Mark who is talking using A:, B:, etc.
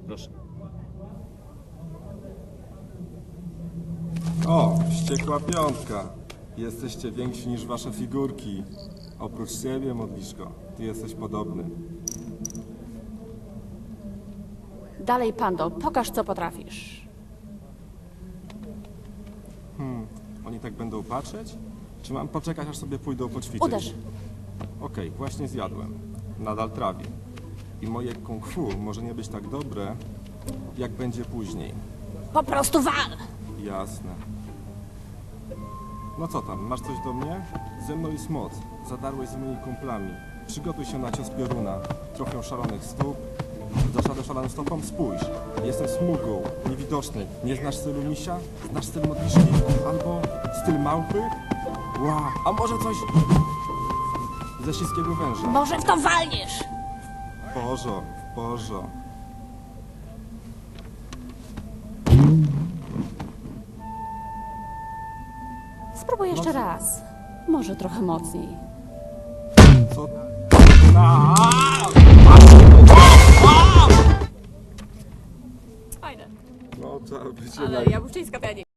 A: Proszę.
B: O, wściekła piątka. Jesteście więksi niż wasze figurki. Oprócz siebie, modliszko, ty jesteś podobny.
C: Dalej, Pando, pokaż, co potrafisz.
B: Oni tak będą patrzeć? Czy mam poczekać, aż sobie pójdą poćwiczyć?
C: Uderz.
B: Okej, właśnie zjadłem. Nadal trawię. I moje kung fu może nie być tak dobre, jak będzie później.
C: Po prostu wal!
B: Jasne. No co tam, masz coś do mnie? Ze mną jest moc. Zadarłeś z moimi kumplami. Przygotuj się na cios pioruna. Trochę szalonych stóp. Dasz radę szalonym stopom? Spójrz. Jestem smugą, niewidoczny. Nie znasz stylu misia? Znasz styl modliszki? Albo styl małpy? Wow, a może coś ze śliskiego węża?
C: Może w to walniesz!
B: Bożo, Bożo.
C: Spróbuj jeszcze raz. Może trochę mocniej.
B: Co?
C: Fajne.
B: No to będzie
C: Ale jabłczyńska to ja nie